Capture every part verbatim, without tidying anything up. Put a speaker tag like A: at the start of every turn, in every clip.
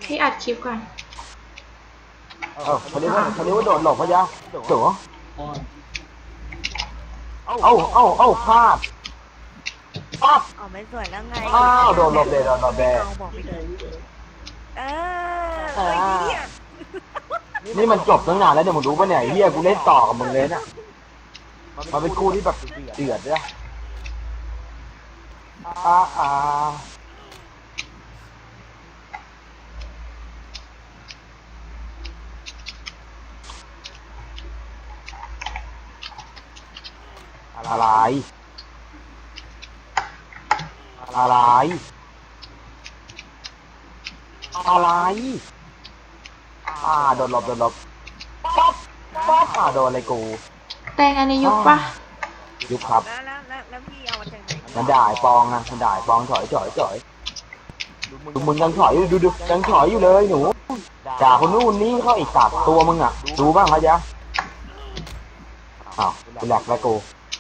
A: พี่อัดคลิปก่อน
B: เออคนนี้ว่าคนนี้ว่าโดดหลบพะยะโจ๋เอ้าเอ้าเอ้าพลาดพลาด
C: อ๋อไม่สวยแล้วไง
B: อ้าวโดนหลบเลยโดนหลบเลย
C: เอาบอกไปเลยเออเอ้ยเหี้ย
B: นี่มันจบตั้งนานแล้วเนี่ยมึงรู้ปะเนี่ยไอ้เฮียกูเล่นต่อกับมึงเลยน่ะมันเป็นคู่ที่แบบเดือดเลยอ่าอ่าอะไรอะไรอะไรอ่าโดนหลบโดนหลบป๊อปป๊อปอ่าโดนอะไรกู
A: แตงอันนี้ยุบปะ
B: ยุบครับ
C: แล้วแล้วแล้วแล้วพี่เอามาจากไหน
B: มันด่าไอ้ปองนะมันด่าไอ้ปองถอยถอยถอยดูมึงยังถอยอยู่ดูดูยังถอยอยู่เลยหนูด่าคนนู้นนี่เขาอีกสัตว์ตัวมึงอ่ะดูบ้างเขาจ๊ะอ้าวกูแหลกแล้วกู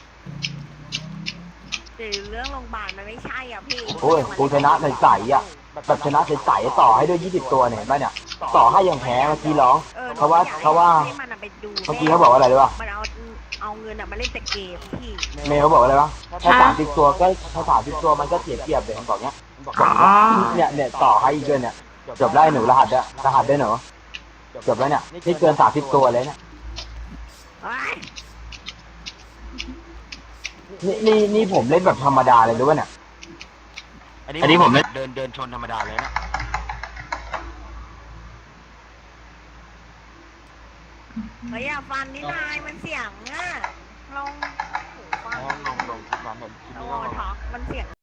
C: หรือเรื่องโรงพยาบาลมันไม่ใช่อ่ะพี่
B: โอ้ยกูชนะใสๆอ่ะแบบชนะใสๆต่อให้ด้วยยี่สิบตัวเนี่ยเห็นป่ะเนี่ยต่อให้ยังแพ้เมื่อกี้ร้อง
C: ออ
B: เขาว่าเขาว่า
C: ให้มันอะไปดู
B: เมื่อกี้เขาบอกว่าอะไรรู้ป่ะ
C: มันเอาเอาเงินอะมาเล่นแต่เกมพี่
B: เมย์เขาบอกว่าอะไรวะถ้าสามสิบตัวก็ถ้าสามสิบตัวมันก็เสียเปรียบเลยมันบอกเนี้ย
A: อ๋อ
B: เนี่ยเนี่ยต่อให้อีกด้วยเนี่ยจบได้หนูรหัสด้วยรหัสได้หนูจบแล้วเนี่ยนี่เกินสามสิบตัวเลยเนี่ย
C: เอ้ย
B: นี่นี่นี่ผมเล่นแบบธรรมดาเลยรู้ป่ะเนี่ยอันนี้ผมเล่นเดินเดินชนธรรมดาเลยนะ
C: เฮ้ยอย่าฟันนี่นายมันเสียงอ่ะลองหูฟัง
B: ลองลองลองคิดว่าแบบคิด
C: โอ้
B: ว่า
C: ท็อกมันเสียง